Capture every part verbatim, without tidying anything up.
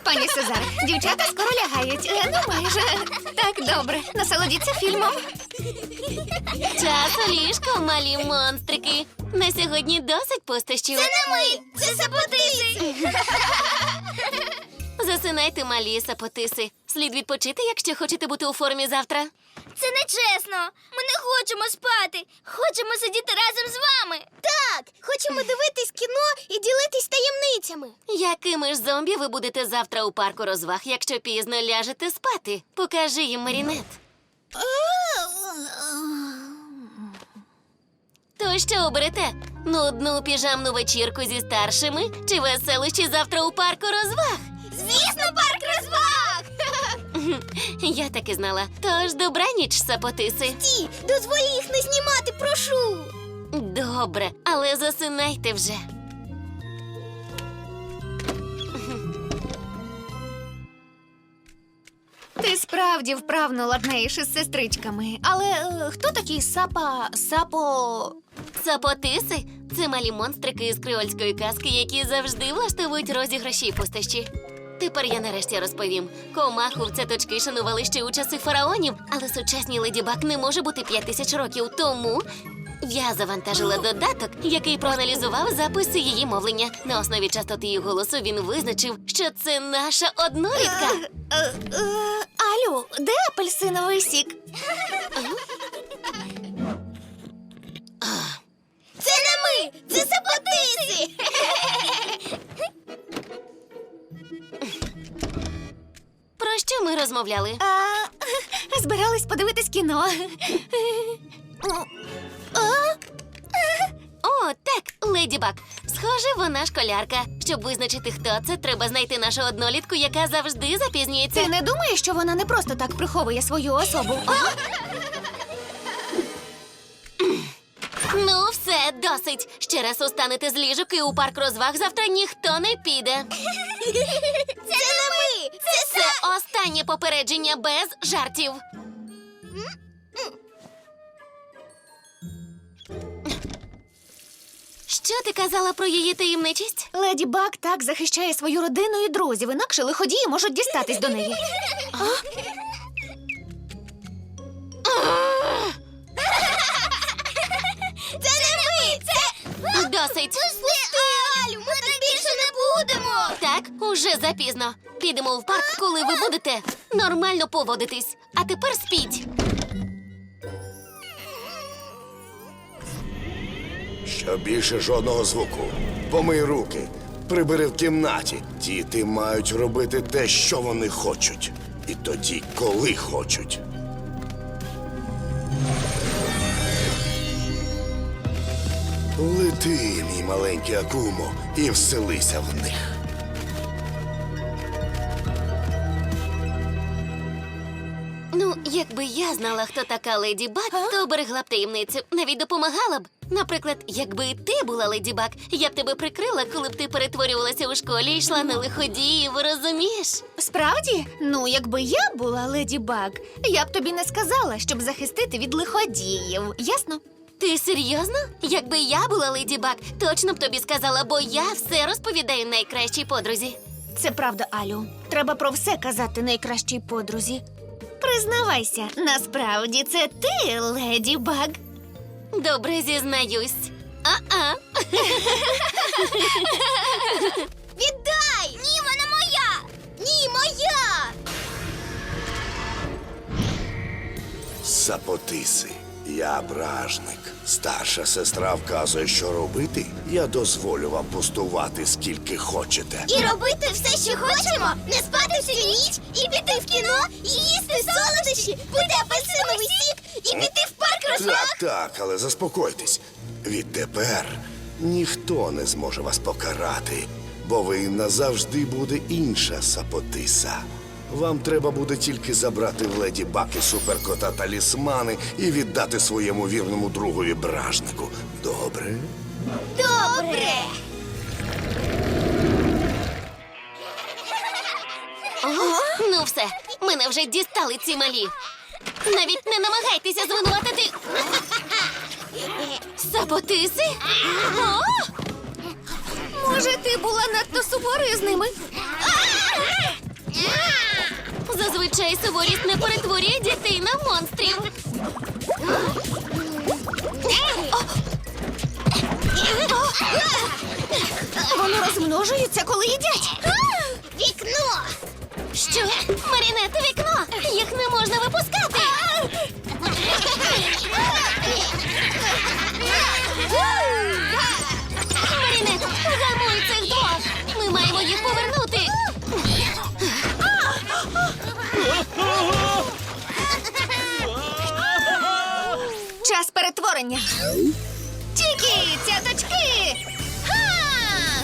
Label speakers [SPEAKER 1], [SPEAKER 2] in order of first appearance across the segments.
[SPEAKER 1] Пані Сезар, дівчата скоро лягають. Е, Ну, майже. Так, добре. Насолодіться фільмом.
[SPEAKER 2] Час у ліжко, малі монстрики. На сьогодні досить пустощів.
[SPEAKER 3] Це не ми! Це саботиси!
[SPEAKER 2] Засинайте, малі сапотиси. Слід відпочити, якщо хочете бути у формі завтра.
[SPEAKER 3] Це нечесно! Ми не хочемо спати! Хочемо сидіти разом з вами! Так! Хочемо дивитись кіно і ділитись таємницями!
[SPEAKER 2] Якими ж зомбі ви будете завтра у парку розваг, якщо пізно ляжете спати? Покажи їм, Марінет. То що оберете? Нудну піжамну вечірку зі старшими чи веселощі завтра у парку розваг?
[SPEAKER 3] Звісно, парк розваг!
[SPEAKER 2] Я так і знала. Тож добраніч, сапотиси.
[SPEAKER 3] Ті, дозволь їх не знімати, прошу!
[SPEAKER 2] Добре, але засинайте вже.
[SPEAKER 1] Ти справді вправно ладнеєш із сестричками. Але е, хто такий сапа... сапо...
[SPEAKER 2] Сапотиси – це малі монстрики із креольської казки, які завжди влаштовують розіграші й пустощі. Тепер я нарешті розповім. Комаху в цяточки шанували ще у часи фараонів, але сучасній леді Баг не може бути п'ять тисяч років тому. Я завантажила додаток, який проаналізував записи її мовлення. На основі частоти її голосу він визначив, що це наша однорідка.
[SPEAKER 1] Е, е, е, Алю, де апельсиновий сік?
[SPEAKER 3] Це не ми! Це саботиси!
[SPEAKER 2] Про що ми розмовляли?
[SPEAKER 1] А, збирались подивитись кіно.
[SPEAKER 2] О, так, леді Баг. Схоже, вона школярка. Щоб визначити, хто це, треба знайти нашу однолітку, яка завжди запізнюється.
[SPEAKER 1] Ти не думаєш, що вона не просто так приховує свою особу?
[SPEAKER 2] Ну, все, досить. Ще раз устанете з ліжок і у парк розваг завтра ніхто не піде.
[SPEAKER 3] Це не ми! Це
[SPEAKER 2] Це останнє попередження без жартів. Що ти казала про її таємничість?
[SPEAKER 1] Леді Баг так захищає свою родину і друзів, інакше лиходії можуть дістатись до неї.
[SPEAKER 3] Це не ми! Це...
[SPEAKER 2] Досить.
[SPEAKER 3] Пусти, Алю! Ми так більше не будемо!
[SPEAKER 2] Так, уже запізно. Підемо в парк, коли ви будете нормально поводитись. А тепер спіть.
[SPEAKER 4] Що більше жодного звуку. Помий руки, прибери в кімнаті. Діти мають робити те, що вони хочуть. І тоді, коли хочуть. Лети, мій маленький Акумо, і вселися в них.
[SPEAKER 2] Ну, якби я знала, хто така Леді Баг, то оберегла б таємницю, навіть допомагала б. Наприклад, якби ти була Леді Баг, я б тебе прикрила, коли б ти перетворювалася у школі і йшла на лиходіїв, розумієш?
[SPEAKER 1] Справді? Ну, якби я була Леді Баг, я б тобі не сказала, щоб захистити від лиходіїв. Ясно?
[SPEAKER 2] Ти серйозно? Якби я була Леді Баг, точно б тобі сказала, бо я все розповідаю найкращій подрузі.
[SPEAKER 1] Це правда, Алю. Треба про все казати найкращій подрузі. Признавайся, насправді це ти, Леді Баг.
[SPEAKER 2] Добре, зізнаюсь. А-а.
[SPEAKER 3] Віддай! Ні, вона моя! Ні, моя!
[SPEAKER 4] Сапотиси. Я бражник. Старша сестра вказує, що робити. Я дозволю вам пустувати скільки хочете.
[SPEAKER 3] І робити все, що хочемо, не спати всю ніч, і піти в кіно, і їсти солодощі, пити апельсиновий сік, і піти в парк розваг.
[SPEAKER 4] Так, так, але заспокойтесь. Відтепер ніхто не зможе вас покарати, бо ви назавжди буде інша сапотиса. Вам треба буде тільки забрати в Леді Баг і суперкота талісмани і віддати своєму вірному другові бражнику. Добре?
[SPEAKER 3] Добре!
[SPEAKER 2] Ну все, мене вже дістали ці малі. Навіть не намагайтеся звинуватити. Сапотиси? О!
[SPEAKER 1] Може, ти була надто суворою з ними?
[SPEAKER 2] Зазвичай суворість не перетворює дітей на монстрів.
[SPEAKER 1] Вони розмножуються, коли їдять.
[SPEAKER 3] Вікно!
[SPEAKER 2] Що? Марінет, вікно! Їх не можна випускати! Марінет, гамуй цих двох! Ми маємо їх повернути!
[SPEAKER 1] Час перетворення. Тільки цяточки! Ха!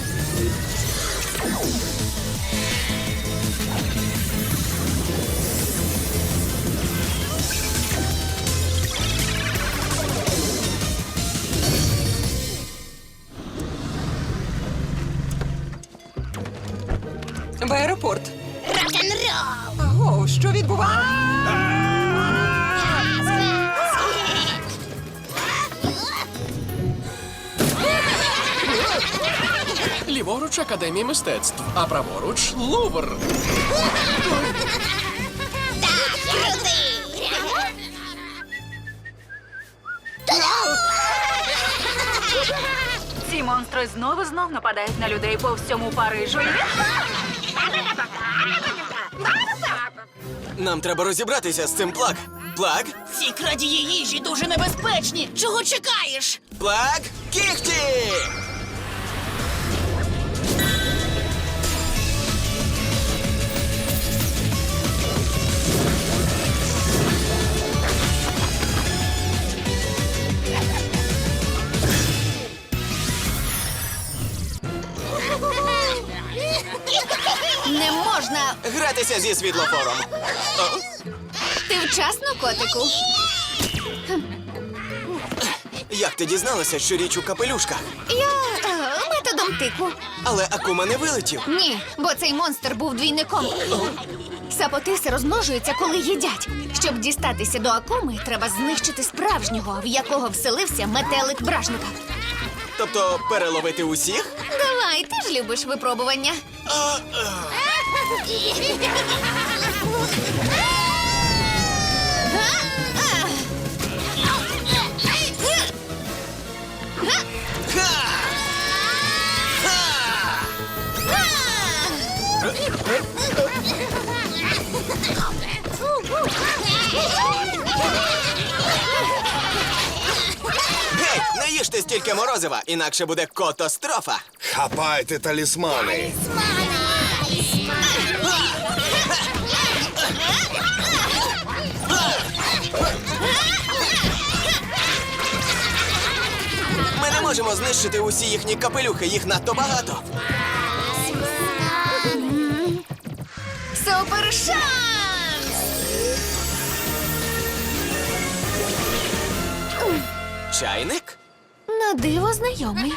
[SPEAKER 5] В аеропорт.
[SPEAKER 3] Рок-н-рол!
[SPEAKER 5] Аго, що відбувається?
[SPEAKER 6] Ліворуч Академія мистецтв, а праворуч Лувр.
[SPEAKER 3] Так, крути!
[SPEAKER 7] Ці монстри знову знов нападають на людей по всьому Парижу.
[SPEAKER 8] Нам треба розібратися з цим плаг. Плаг?
[SPEAKER 9] Ці крадії їжі дуже небезпечні. Чого чекаєш?
[SPEAKER 8] Плаг? Кіхті!
[SPEAKER 1] Не можна.
[SPEAKER 8] Гратися зі світлофором. О,
[SPEAKER 1] Ти вчасно, котику.
[SPEAKER 8] як ти дізналася, що річ у капелюшках?
[SPEAKER 1] Я е, методом тику.
[SPEAKER 8] Але Акума не вилетів.
[SPEAKER 1] Ні, бо цей монстр був двійником. Сапотиси розмножуються, коли їдять. Щоб дістатися до Акуми, треба знищити справжнього, в якого вселився метелик бражника.
[SPEAKER 8] Тобто переловити усіх?
[SPEAKER 1] Давай, ти ж любиш випробування.
[SPEAKER 8] Гей, не їжте стільки морозива, інакше буде котострофа.
[SPEAKER 4] Хапайте талісмани.
[SPEAKER 8] Ми не можемо знищити усі їхні капелюхи, їх надто багато.
[SPEAKER 1] Супер шанс!
[SPEAKER 8] Чайник?
[SPEAKER 1] На диво знайомий.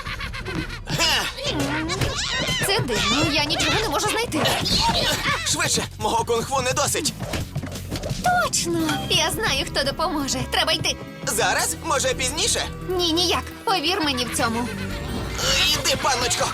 [SPEAKER 1] Це дивно, я нічого не можу знайти.
[SPEAKER 8] Швидше, мого кунг-фу не досить.
[SPEAKER 1] Точно! Я знаю, хто допоможе. Треба йти.
[SPEAKER 8] Зараз? Може, пізніше?
[SPEAKER 1] Ні, ніяк. Повір мені в цьому.
[SPEAKER 8] Іди, панночко.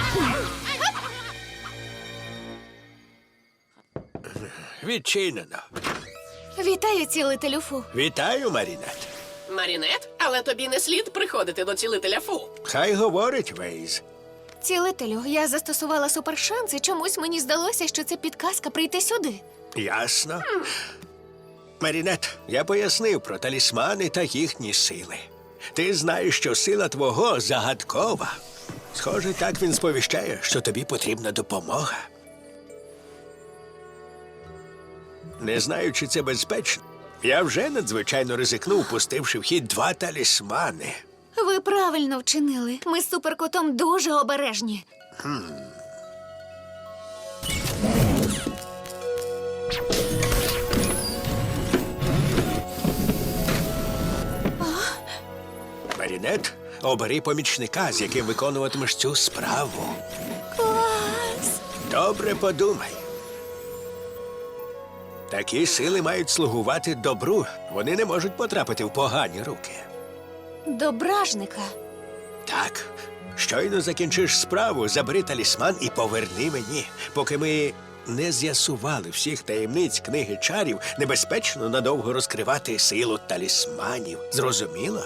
[SPEAKER 10] Відчинено.
[SPEAKER 1] Вітаю, цілителю Фу.
[SPEAKER 10] Вітаю, Марінет.
[SPEAKER 6] Марінет, але тобі не слід приходити до цілителя Фу.
[SPEAKER 10] Хай говорить Вейз.
[SPEAKER 1] Цілителю, я застосувала супершанс, і чомусь мені здалося, що це підказка прийти сюди.
[SPEAKER 10] Ясно. Марінет, я пояснив про талісмани та їхні сили. Ти знаєш, що сила твого загадкова. Схоже, так він сповіщає, що тобі потрібна допомога. Не знаю, чи це безпечно. Я вже надзвичайно ризикнув, пустивши в хід два талісмани.
[SPEAKER 1] Ви правильно вчинили. Ми з суперкотом дуже обережні.
[SPEAKER 10] Марінет, обери помічника, з яким виконуватимеш цю справу.
[SPEAKER 1] Клас!
[SPEAKER 10] Добре подумай. Такі сили мають слугувати добру. Вони не можуть потрапити в погані руки.
[SPEAKER 1] До бражника.
[SPEAKER 10] Так, щойно закінчиш справу, забери талісман і поверни мені, поки ми не з'ясували всіх таємниць книги чарів, небезпечно надовго розкривати силу талісманів. Зрозуміла?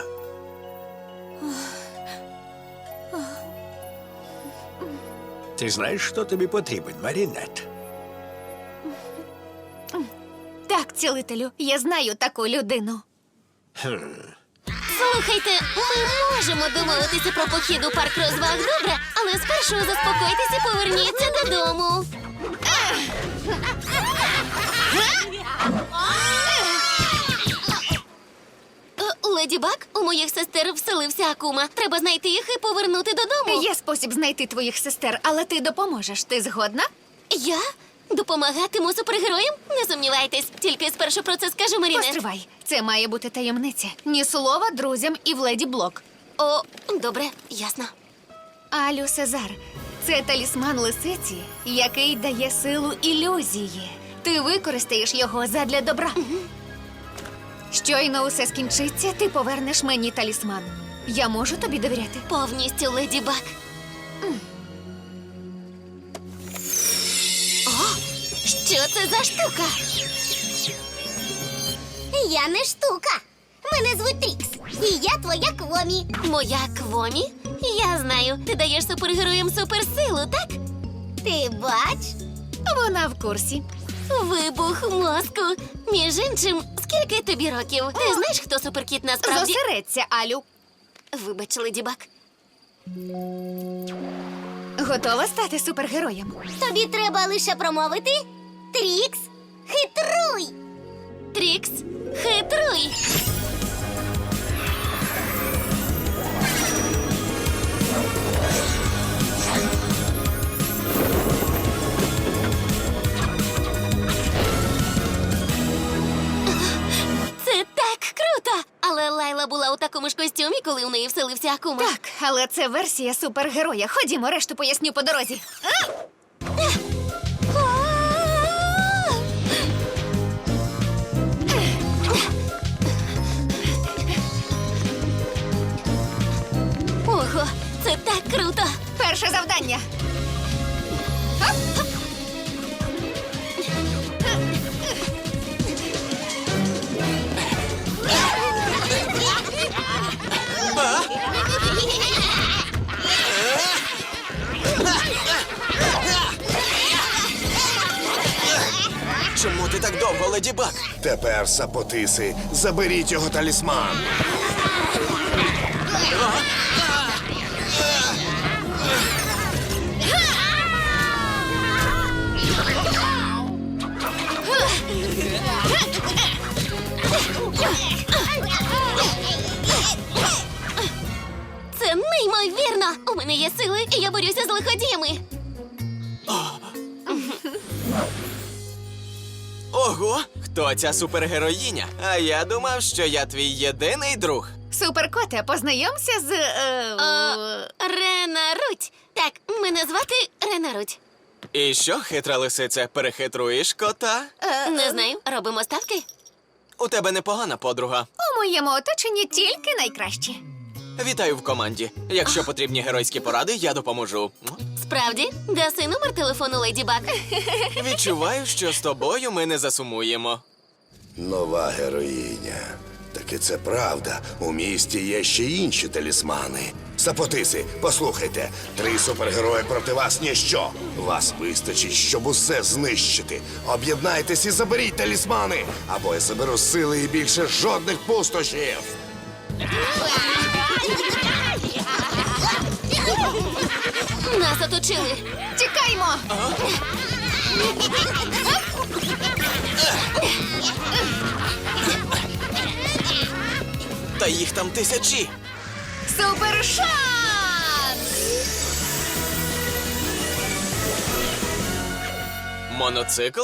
[SPEAKER 10] Ти знаєш, що тобі потрібен, Марінет?
[SPEAKER 1] Так, цілителю, я знаю таку людину.
[SPEAKER 2] Слухайте, ми можемо домовитися про похід у парк розваг, добре? Але спершу заспокойтесь і поверніться додому. Е, Леді Баг, у моїх сестер вселився Акума. Треба знайти їх і повернути додому.
[SPEAKER 1] Є спосіб знайти твоїх сестер, але ти допоможеш. Ти згодна?
[SPEAKER 2] Я? Допомагатиму супергероям? Не сумнівайтесь, тільки спершу про це скаже Марінет.
[SPEAKER 1] Постривай. Це має бути таємниця. Ні слова друзям і в Леді Блок.
[SPEAKER 2] О, добре, ясно.
[SPEAKER 1] Алю Сезар, це талісман лисиці, який дає силу ілюзії. Ти використаєш його задля добра. Щойно усе скінчиться, ти повернеш мені талісман. Я можу тобі довіряти?
[SPEAKER 2] Повністю, Леді Баг. О, що це за штука?
[SPEAKER 3] Я не штука. Мене звуть Трікс. І я твоя Квомі.
[SPEAKER 2] Моя Квомі? Я знаю, ти даєш супергероям суперсилу, так?
[SPEAKER 3] Ти бач?
[SPEAKER 1] Вона в курсі.
[SPEAKER 2] Вибух мозку. Між іншим, скільки тобі років? Ти знаєш, хто суперкіт насправді?
[SPEAKER 1] Зосередься, Алю.
[SPEAKER 2] Вибач, Леді Баг.
[SPEAKER 1] Готова стати супергероєм?
[SPEAKER 3] Тобі треба лише промовити Трікс, хитруй!
[SPEAKER 2] Трікс, хитруй! Це так круто! Але Лайла була у такому ж костюмі, коли у неї вселився Акума.
[SPEAKER 1] Так, але це версія супергероя. Ходімо, решту поясню по дорозі.
[SPEAKER 2] Ого, це так круто!
[SPEAKER 1] Перше завдання.
[SPEAKER 8] Чому ти так довго, Леді Баг?
[SPEAKER 4] Тепер, сапотиси, заберіть його талісман.
[SPEAKER 2] Це неймовірно! У мене є сили, і я борюся з лиходіями.
[SPEAKER 8] Ого, хто ця супергероїня? А я думав, що я твій єдиний друг.
[SPEAKER 1] Суперкоте, познайомся з. Е,
[SPEAKER 2] О, Рена Руть. Так, мене звати Рена Руть.
[SPEAKER 8] І що, хитра лисице, перехитруєш кота?
[SPEAKER 2] Не знаю, робимо ставки?
[SPEAKER 8] У тебе непогана подруга.
[SPEAKER 1] У моєму оточенні тільки найкращі.
[SPEAKER 8] Вітаю в команді. Якщо потрібні геройські поради, я допоможу.
[SPEAKER 2] Справді, даси номер телефону Леді Баг.
[SPEAKER 8] Відчуваю, що з тобою ми не засумуємо.
[SPEAKER 4] Нова героїня. Таки це правда. У місті є ще інші талісмани. Сапотиси, послухайте, три супергерої проти вас ніщо. Вас вистачить, щоб усе знищити. Об'єднайтесь і заберіть талісмани, або я заберу сили і більше жодних пустощів.
[SPEAKER 2] Нас оточили.
[SPEAKER 1] Тікаймо!
[SPEAKER 8] Та їх там тисячі.
[SPEAKER 1] Супершанс!
[SPEAKER 8] Моноцикл?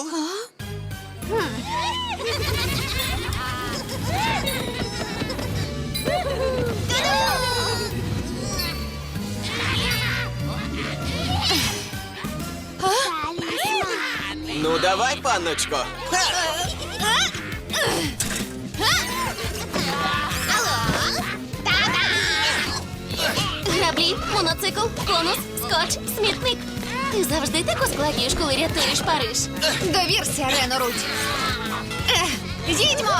[SPEAKER 8] Ну, давай, панночко. Ха!
[SPEAKER 2] Граблі, моноцикл, конус, скотч, смітник. Ти завжди так ускладнюєш, коли рятуєш Париж.
[SPEAKER 1] Довірся, Рено Рудь. Ех, їдьмо!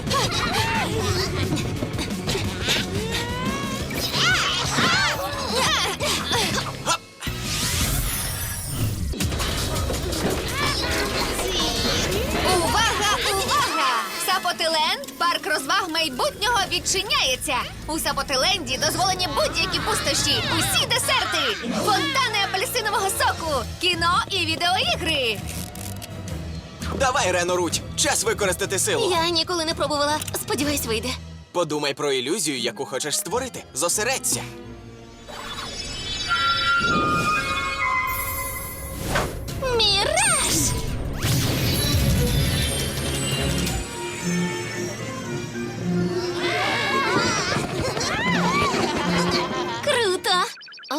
[SPEAKER 1] Увага, увага! Сапотиленд, парк розваг майбутнього відчиняється. У Сапотиленді дозволені будь-які пустощі, усі десерти, фонтани апельсинового соку, кіно і відеоігри.
[SPEAKER 8] Давай, Рено Рудь, час використати силу.
[SPEAKER 2] Я ніколи не пробувала. Сподіваюсь, вийде.
[SPEAKER 8] Подумай про ілюзію, яку хочеш створити. Зосередься.
[SPEAKER 2] Міраж! Круто! А?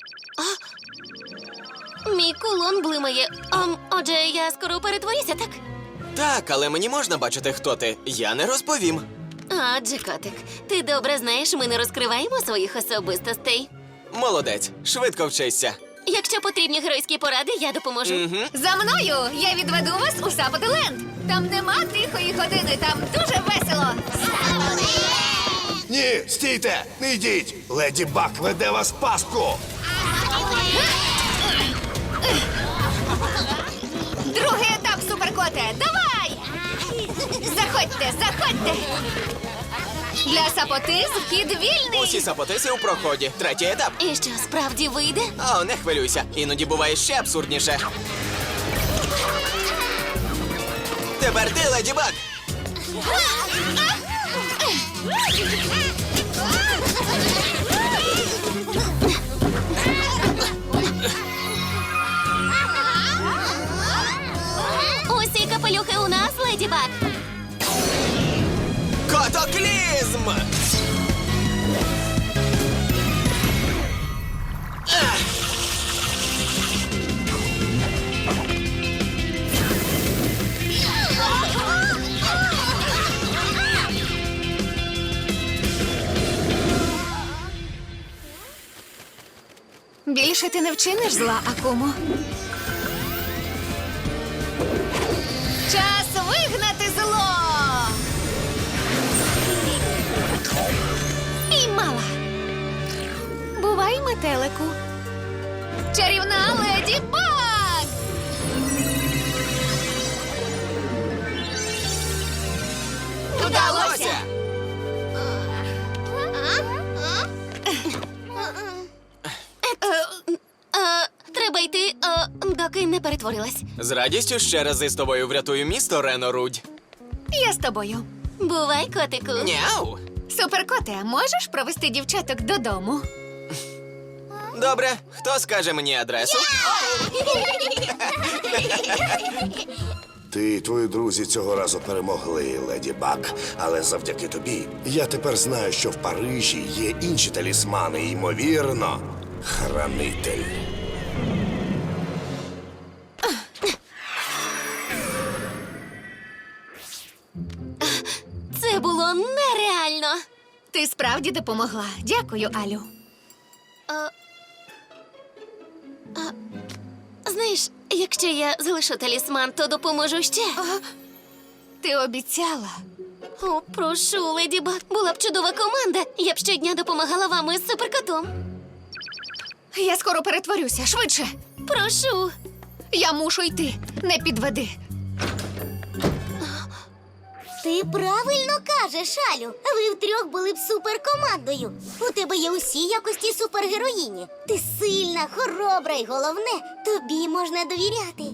[SPEAKER 2] А? Мій кулон блимає. Ам, отже, я скоро перетворюся, так?
[SPEAKER 8] Так, але мені можна бачити, хто ти. Я не розповім.
[SPEAKER 2] Адже, котик, ти добре знаєш, ми не розкриваємо своїх особистостей.
[SPEAKER 8] Молодець, швидко вчися.
[SPEAKER 2] Якщо потрібні геройські поради, я допоможу.
[SPEAKER 8] Угу.
[SPEAKER 1] За мною! Я відведу вас у Сапотиленд! Там нема тихої години, там дуже весело!
[SPEAKER 4] Ні, стійте! Не йдіть! Леді Баг веде вас в пастку!
[SPEAKER 1] Другий етап, суперкоте! Давай! Заходьте, заходьте! Для сапотиз вхід вільний!
[SPEAKER 8] Усі сапотиси у проході. Третій етап.
[SPEAKER 2] І що, справді вийде?
[SPEAKER 8] О, не хвилюйся. Іноді буває ще абсурдніше. Тепер ти, Леді Баг.
[SPEAKER 2] Усі капелюхи у нас, Леді Баг.
[SPEAKER 8] Котоклізм!
[SPEAKER 1] Більше ти не вчиниш зла, Акумо. Час вигнати зло! Піймала! Бувай, метелику! Чарівна Леді Баг!
[SPEAKER 8] Вдалося!
[SPEAKER 2] Е, треба йти, е, доки не перетворилась.
[SPEAKER 8] З радістю ще рази з тобою врятую місто, Рено Рудь.
[SPEAKER 1] Я з тобою.
[SPEAKER 2] Бувай, котику.
[SPEAKER 8] Няу!
[SPEAKER 1] Суперкоте, можеш провести дівчаток додому?
[SPEAKER 8] Добре, хто скаже мені адресу?
[SPEAKER 4] Ти і твої друзі цього разу перемогли, Леді Баг. Але завдяки тобі я тепер знаю, що в Парижі є інші талісмани, і, ймовірно, хранитель.
[SPEAKER 2] Це було нереально.
[SPEAKER 1] Ти справді допомогла. Дякую, Алю.
[SPEAKER 2] Знаєш, якщо я залишу талісман, то допоможу ще.
[SPEAKER 1] Ти обіцяла.
[SPEAKER 2] О, прошу, Леді Баг, була б чудова команда. Я б щодня допомагала вам із суперкотом.
[SPEAKER 1] Я скоро перетворюся, швидше.
[SPEAKER 2] Прошу.
[SPEAKER 1] Я мушу йти. Не підведи.
[SPEAKER 3] Ти правильно кажеш, Алю. Ви втрьох були б суперкомандою. У тебе є усі якості супергероїні. Ти сильна, хоробра і головне, тобі можна довіряти.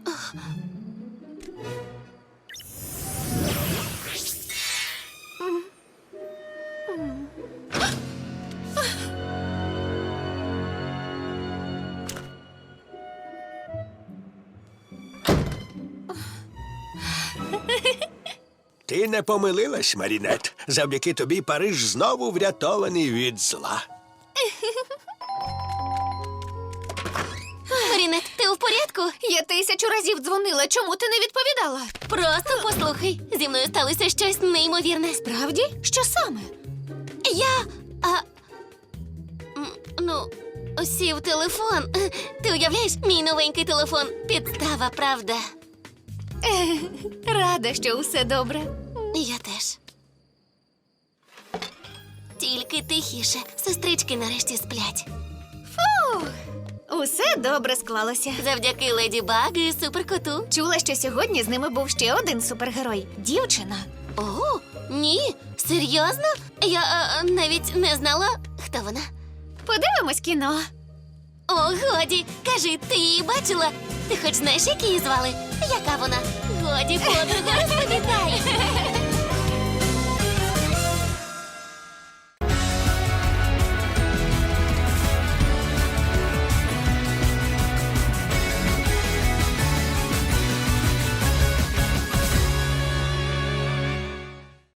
[SPEAKER 10] Ти не помилилась, Марінет. Завдяки тобі Париж знову врятований від зла.
[SPEAKER 2] Марінет, ти у порядку?
[SPEAKER 1] Я тисячу разів дзвонила. Чому ти не відповідала?
[SPEAKER 2] Просто послухай. Зі мною сталося щось неймовірне.
[SPEAKER 1] Правді? Що саме?
[SPEAKER 2] Я. А, м, ну, сів телефон. Ти уявляєш, мій новенький телефон. Підстава, правда?
[SPEAKER 1] Рада, що усе добре.
[SPEAKER 2] Я теж. Тільки тихіше. Сестрички нарешті сплять.
[SPEAKER 1] Усе добре склалося.
[SPEAKER 2] Завдяки Леді Баг і суперкоту.
[SPEAKER 1] Чула, що сьогодні з ними був ще один супергерой – дівчина.
[SPEAKER 2] О, ні, серйозно? Я е, навіть не знала, хто вона.
[SPEAKER 1] Подивимось кіно.
[SPEAKER 2] О, годі, кажи, ти її бачила? Ти хоч знаєш, як її звали? Яка вона? Годі, подруга, розповідай.